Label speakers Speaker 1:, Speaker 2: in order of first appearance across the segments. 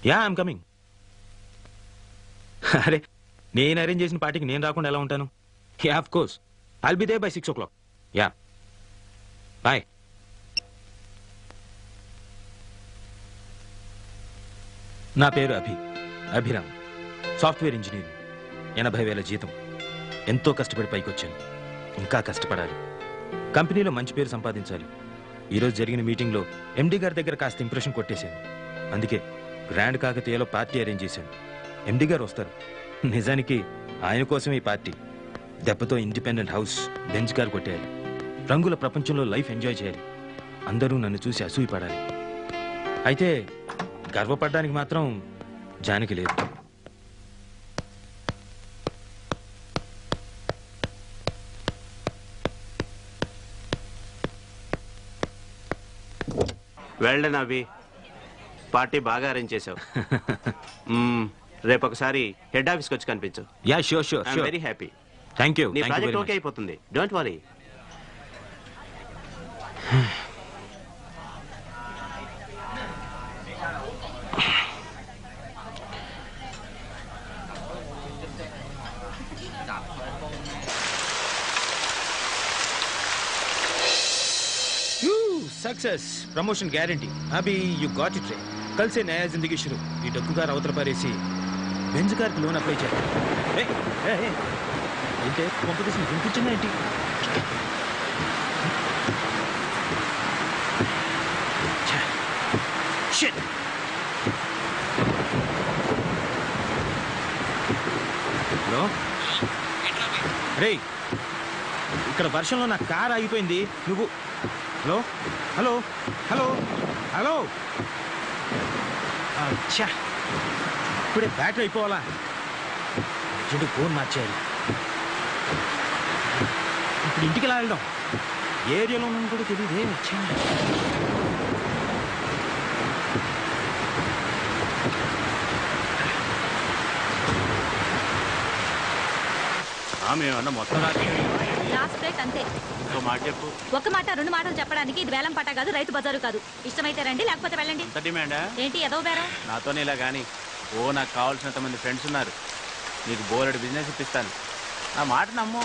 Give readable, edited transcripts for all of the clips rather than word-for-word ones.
Speaker 1: Yeah I'm coming. అరే నేను arrange చేసిన పార్టీకి నేను రాకుండా ఎలా ఉంటాను? Yeah of course I'll be there by 6 o'clock. Yeah bye. నా పేరు అభిరామ్, సాఫ్ట్వేర్ ఇంజనీర్. 80,000 జీతం. ఎంతో కష్టపడి పైకి వచ్చాను. ఇంకా కష్టపడాలి. కంపెనీలో మంచి పేరు సంపాదించాలి. ఈరోజు జరిగిన మీటింగ్లో ఎండి గారి దగ్గర కాస్త ఇంప్రెషన్ కొట్టేశాను. అందుకే గ్రాండ్ కాకతీయలో పార్టీ అరేంజ్ చేశాను. ఎండి గారు వస్తారు. నిజానికి ఆయన కోసం ఈ పార్టీ. దెబ్బతో ఇండిపెండెంట్ హౌస్, బెంచ్ కార్ కొట్టేయాలి. రంగుల ప్రపంచంలో లైఫ్ ఎంజాయ్ చేయాలి. అందరూ నన్ను చూసి అసూయపడాలి. అయితే గర్వపడడానికి మాత్రం జానకి లేదు.
Speaker 2: వెల్డన్ అవి, పార్టీ బాగా అరేంజ్ చేసావు. రేపు ఒకసారి హెడ్ ఆఫీస్కి వచ్చి కనిపించు.
Speaker 1: Yeah sure sure.
Speaker 2: I'm very happy.
Speaker 1: Thank you.
Speaker 2: నీ ప్రాజెక్ట్ ఓకే అయిపోతుంది, don't worry.
Speaker 1: Success, promotion guarantee. अभी यू गॉट इट रे. कल से नया जिंदगी शुरू. ये डक्कुगार అవతల పారేసి బెంజ్ కార్కి లోన్ అప్లై చేయాలి. ఏంటే కాంపిటీషన్ వినిపించిందా ఏంటి? షిట్. హలో రే, ఇక్కడ వర్షంలో నా కార్ ఆగిపోయింది. నువ్వు హలో హలో హలో హలో. అచ్చా, ఇప్పుడే బ్యాటరీ అయిపోవాలా? చెడు ఫోన్ మార్చేయాలి. ఇప్పుడు ఇంటికి ఎలా వెళ్ళడం? ఏరియాలో ఉన్నాను కూడా తెలియదే. వచ్చా
Speaker 2: మేమన్నా మొత్తం
Speaker 3: లాస్ట్ రేట్ అంతే.
Speaker 2: ఇంకో మాట చెప్పు.
Speaker 3: ఒక మాట రెండు మాటలు చెప్పడానికి ఇది వేలం పాట కాదు, రైతు బజారు కాదు. ఇష్టమైతే రండి, లేకపోతే వెళ్ళండి.
Speaker 2: డిమాండా
Speaker 3: ఏంటి ఎదో బేరం?
Speaker 2: నాతోనే ఇలా కానీ నాకు కావాల్సినంత మంది ఫ్రెండ్స్ ఉన్నారు. నీకు బోలెడు బిజినెస్ ఇప్పిస్తాను. నా మాట నమ్ము.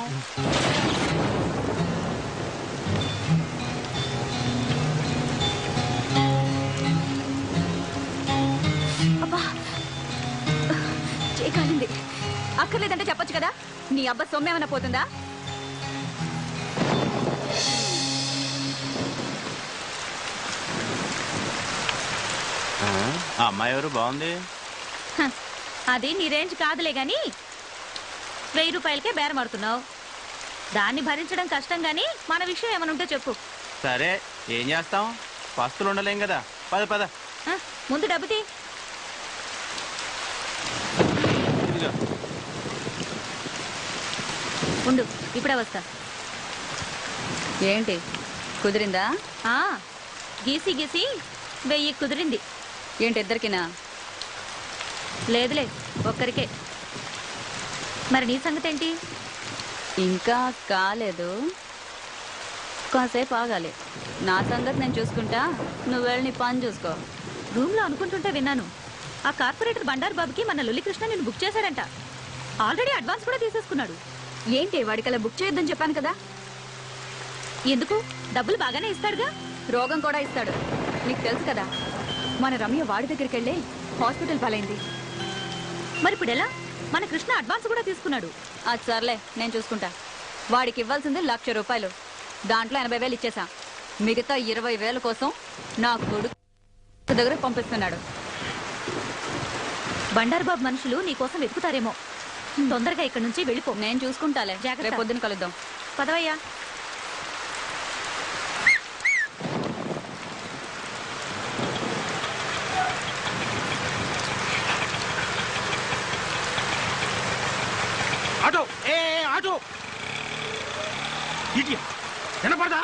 Speaker 3: అబ్బా చేయకాలింది. అక్కర్లేదంటే చెప్పొచ్చు కదా. నీ అబ్బా సొమ్మేమన్నా పోతుందా?
Speaker 2: ఆ అమ్మాయి ఎవరు? బాగుంది.
Speaker 3: అది నీ రేంజ్ కాదులే గాని 1000 రూపాయలకే బేరం ఆడుతున్నావు. దాన్ని భరించడం కష్టం గాని మన విషయం ఏమైనా ఉంటే చెప్పు.
Speaker 2: సరే ఏం చేస్తాం, పస్తులు ఉండలేం కదా. పద పద.
Speaker 3: ముందు డబ్బు తీ. ఉండు, ఇప్పుడే వస్తా.
Speaker 4: ఏంటి కుదిరిందా?
Speaker 3: గీసి గీసి 1000 కుదిరింది.
Speaker 4: ఏంటి ఇద్దరికినా?
Speaker 3: లేదులే, ఒక్కరికే. మరి నీ సంగతి ఏంటి?
Speaker 4: ఇంకా కాలేదు, కాసేపు ఆగాలి. నా సంగతి నేను చూసుకుంటా, నువ్వు వెళ్ళి నీ పని చూసుకో.
Speaker 3: రూమ్లో అనుకుంటుంటే విన్నాను, ఆ కార్పొరేటర్ బండారు బాబుకి మన లొల్లికృష్ణ నేను బుక్ చేశాడంట. ఆల్రెడీ అడ్వాన్స్ కూడా తీసేసుకున్నాడు.
Speaker 4: ఏంటి వాడికలా బుక్ చేయొద్దని చెప్పాను కదా.
Speaker 3: ఎందుకు? డబ్బులు బాగానే ఇస్తాడుగా.
Speaker 4: రోగం కూడా ఇస్తాడు, నీకు తెలుసు కదా. మన రమ్య వాడి దగ్గరికి వెళ్ళి హాస్పిటల్ పాలైంది.
Speaker 3: మరి ఇప్పుడు ఎలా? మన కృష్ణ అడ్వాన్స్ కూడా తీసుకున్నాడు.
Speaker 4: అది సర్లే, నేను చూసుకుంటా. వాడికి ఇవ్వాల్సింది 1,00,000 రూపాయలు. దాంట్లో 80,000 ఇచ్చేసా. మిగతా 20,000 కోసం నా కొడుకు దగ్గర పంపిస్తున్నాడు.
Speaker 3: బండారు బాబు మనుషులు నీకోసం వెతుకుతారేమో. తొందరగా ఇక్కడి నుంచి వెళ్ళిపో.
Speaker 4: నేను చూసుకుంటాలే. రేపు పొద్దున కలుద్దాం.
Speaker 3: పదవయ్యా.
Speaker 1: ఆటో ఆటో వినపడదా?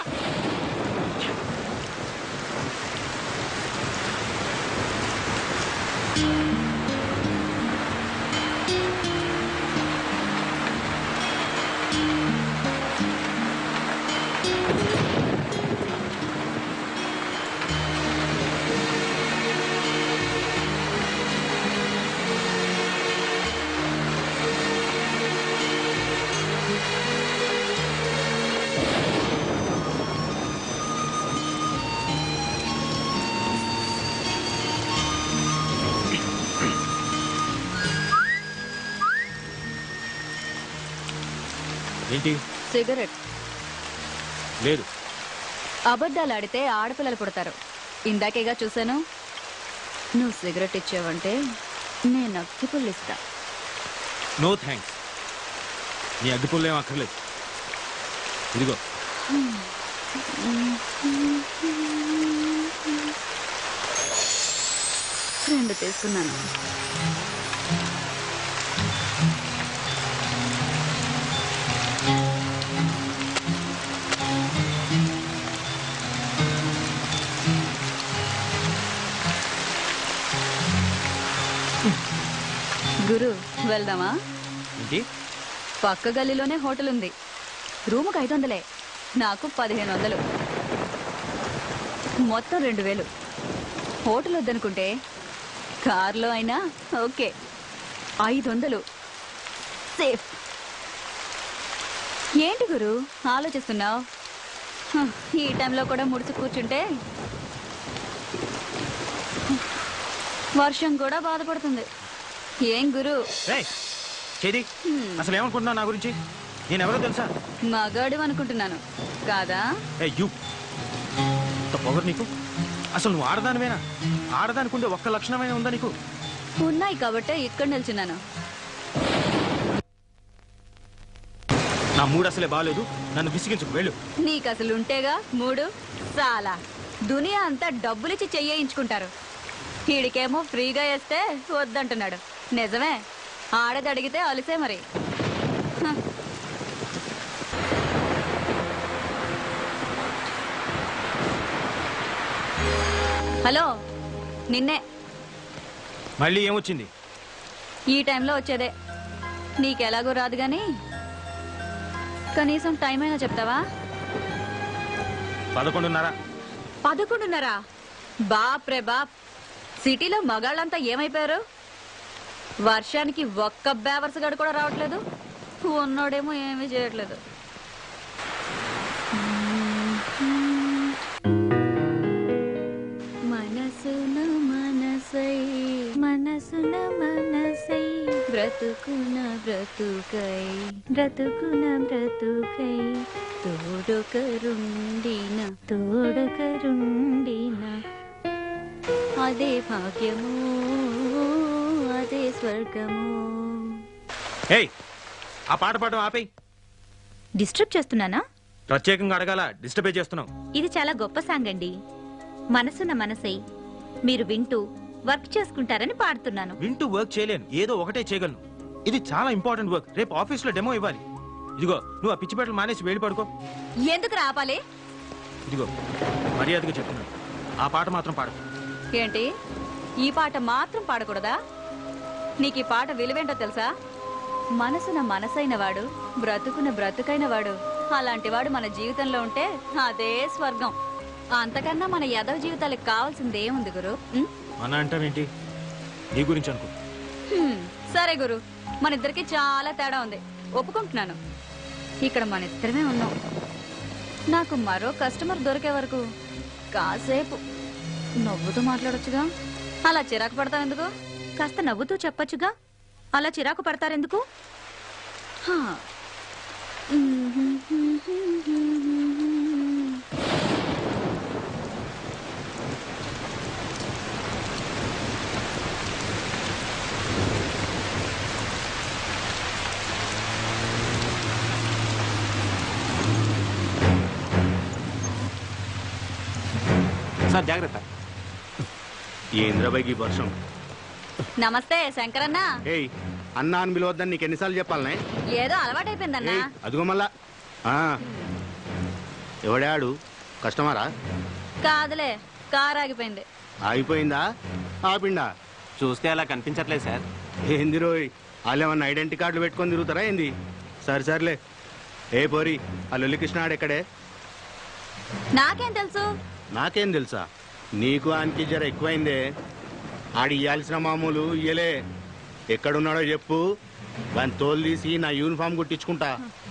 Speaker 1: ఏంటి?
Speaker 4: సిగరెట్.
Speaker 1: లేదు.
Speaker 4: అబద్ధాలు ఆడితే ఆడపిల్లలు పుడతారు. ఇందాకేగా చూశాను. నువ్వు సిగరెట్ ఇచ్చావంటే నేను అగ్గిపుల్లు ఇస్తా.
Speaker 1: No thanks. నీ అగ్గిపుల్లు ఏం అక్కర్లేదు. ఇదిగో.
Speaker 4: రెండు తీసుకున్నాను. గురు వెళ్దామా?
Speaker 1: ఏంటి?
Speaker 4: పక్క గల్లీలోనే హోటల్ ఉంది. రూముకు 500, నాకు 1500, మొత్తం 2000. హోటల్ వద్దనుకుంటే కార్లో అయినా ఓకే. 500 సేఫ్. ఏంటి గురు ఆలోచిస్తున్నావు? ఈ టైంలో కూడా ముడుచు కూర్చుంటే వర్షం కూడా బాధపడుతుంది. ఏం గురు?
Speaker 1: చేది అసలు ఏమనుకుంటున్నావు నా గురించి? నేను ఎవరో తెలుసా?
Speaker 4: మగాడు అనుకుంటున్నాను కాదా?
Speaker 1: పొగరు నీకు? అసలు నువ్వు ఆడదానివేనా? ఆడదానికుంటే ఒక్క లక్షణమైన ఉందా నీకు?
Speaker 4: ఉన్నాయి కాబట్టే ఇక్కడ నిల్చున్నాను.
Speaker 1: నా మూడు అసలే బాగాలేదు, నన్ను విసిగించుకు వెళ్ళు.
Speaker 4: నీకు అసలు ఉంటేగా మూడు చాలా. దునియా అంతా డబ్బులిచ్చి చెయ్యించుకుంటారు. వీడికేమో ఫ్రీగా వేస్తే వద్దంటున్నాడు. నిజమే, ఆడది అడిగితే అలిసే మరి. హలో, నిన్నే.
Speaker 1: మళ్ళీ ఏమొచ్చింది?
Speaker 4: ఈ టైంలో వచ్చేదే. నీకెలాగో రాదు గాని కనీసం టైం అయినా చెప్తావా?
Speaker 1: 11:30.
Speaker 4: 11:30? బాప్ రే బాప్. సిటీలో మగాళ్ళంతా ఏమైపోయారు? వర్షానికి ఒక్క బేవర్స్ గడు కూడా రావట్లేదు. ఉన్నోడేమో ఏమీ చేయట్లేదు. మనసున మనసై మనసున మనసై బ్రతుకున బ్రతుకై బ్రతుకున బ్రతుకై తోడొకరుండిన తోడొకరుండిన అదే భాగ్యము అదే స్వర్గము.
Speaker 1: ఏయ్, ఆ పాట పాడడం ఆపేయ్.
Speaker 3: డిస్టర్బ్ చేస్తున్నానా?
Speaker 1: ప్రత్యేకంగా అడగాల, డిస్టర్బే చేస్తున్నావు.
Speaker 3: ఇది చాలా గొప్ప సాంగ్ అండి. మనసున్న మనసై మీరు వింటూ వర్క్ చేసుకుంటారని పాడుతున్నాను.
Speaker 1: వింటూ వర్క్ చేయలేను, ఏదో ఒకటే చేయగలను. ఇది చాలా ఇంపార్టెంట్ వర్క్. రేపు ఆఫీస్లో డెమో ఇవ్వాలి. ఇదిగో, నువ్వు ఆ పిచ్చి బట్టలు మానేసి వెళ్ళి పడుకో.
Speaker 4: ఎందుకు రాపాలి?
Speaker 1: ఇదిగో, మర్యాదగా చెప్తున్నాను, ఆ పాట మాత్రం పాడు.
Speaker 4: ఏంటి, ఈ పాట మాత్రం పాడకూడదా? నీకు ఈ పాట విలువేంటో తెలుసా? మనసున మనసైన వాడు, బ్రతుకున బ్రతుకైన వాడు, అలాంటి వాడు మన జీవితంలో ఉంటే అదే స్వర్గం. అంతకన్నా మన యదవ జీవితాలకు కావాల్సింది ఏముంది గురు?
Speaker 1: మన అంటావేంటి? నీ గురించి అనుకో.
Speaker 4: సరే గురు, మన ఇద్దరికి చాలా తేడా ఉంది, ఒప్పుకుంటున్నాను. ఇక్కడ మన ఇద్దరమే ఉన్నాం. నాకు మరో కస్టమర్ దొరికే వరకు కాసేపు నవ్వుతూ మాట్లాడొచ్చుగా. అలా చిరాకు పడతావు ఎందుకు?
Speaker 3: కాస్త నవ్వుతూ చెప్పొచ్చుగా. అలా చిరాకు పడతారెందుకు?
Speaker 4: హా.
Speaker 2: సార్ జాగ్రత్త.
Speaker 5: ఏంద్రబాయికి వర్షం.
Speaker 4: నమస్తే శంకరన్న.
Speaker 5: ఏయ్, అన్నా అని పిలవద్దని నీకు ఎన్నిసార్లు చెప్పాలనే?
Speaker 4: ఏదో అలవాటైపోయిందన్నా.
Speaker 5: ఏయ్, అదిగో మళ్ళా. ఎవడాడు? కస్టమరా?
Speaker 4: కాదులే, కారు ఆగిపోయింది.
Speaker 5: ఆగిపోయిందా? ఆపిండా?
Speaker 2: చూస్తే అలా కనిపించట్లేదు సార్.
Speaker 5: ఏంది రోయ్, వాళ్ళు ఏమన్నా ఐడెంటిటీ కార్డులు పెట్టుకొని తిరుగుతారా ఏంది? సర్లే. ఏ పోరి, ఆ లొల్లికృష్ణ ఆడెక్కడే?
Speaker 4: నాకేం తెలుసు?
Speaker 5: నాకేం తెలుసా? నీకు ఆయనకి జర ఎక్కువైందే. ఆడి ఇయ్యాల్సిన మామూలు ఇయ్యలే. ఎక్కడున్నాడో చెప్పు, వాని తోలు తీసి నా యూనిఫామ్ కుట్టించుకుంటా.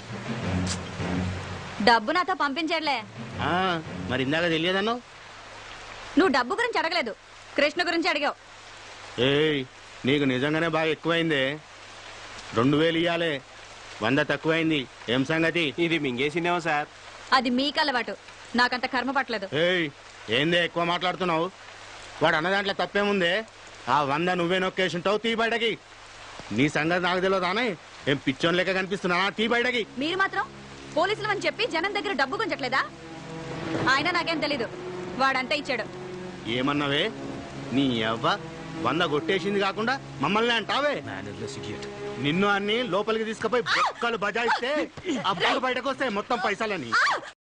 Speaker 4: డబ్బు నాతో పంపించట్లే.
Speaker 5: మరి ఇందాక తెలియదన్నావు?
Speaker 4: నువ్వు డబ్బు గురించి అడగలేదు, కృష్ణ గురించి అడిగావు.
Speaker 5: ఏయ్, నీకు నిజంగానే బాగా ఎక్కువైందే. 2000 ఇయ్యాలే. 100 తక్కువైంది. ఏం సంగతి?
Speaker 6: ఇది మింగేసిందేమో సార్.
Speaker 4: అది మీకు అలవాటు, నాకంత కర్మ పట్టలేదు.
Speaker 5: ఏయ్, ఏందే ఎక్కువ మాట్లాడుతున్నావు? వాడు అన్న దాంట్లో తప్పేముందే? ఆ 100 నువ్వే నొక్కేసుంటావు. తీ బయటకి. నీ సంగతి నాకు తెలియదానే? ఏం పిచ్చోన్ లెక్క కనిపిస్తున్నానా? తీ బయటకి.
Speaker 4: మీరు మాత్రం పోలీసులు అని చెప్పి జనం దగ్గర డబ్బు గుంజట్లేదా? ఆయన నాకేం తెలీదు, వాడంతా ఇచ్చాడు.
Speaker 5: ఏమన్నావే? నీ అవ్వ 100 కొట్టేసింది కాకుండా మమ్మల్ని అంటావే?
Speaker 1: Mannerless idiot.
Speaker 5: నిన్ను అన్ని లోపలికి తీసుకుపోయి బొక్కలు బజాయిస్తే అప్పుడు బయటకు వస్తాయి మొత్తం పైసలని.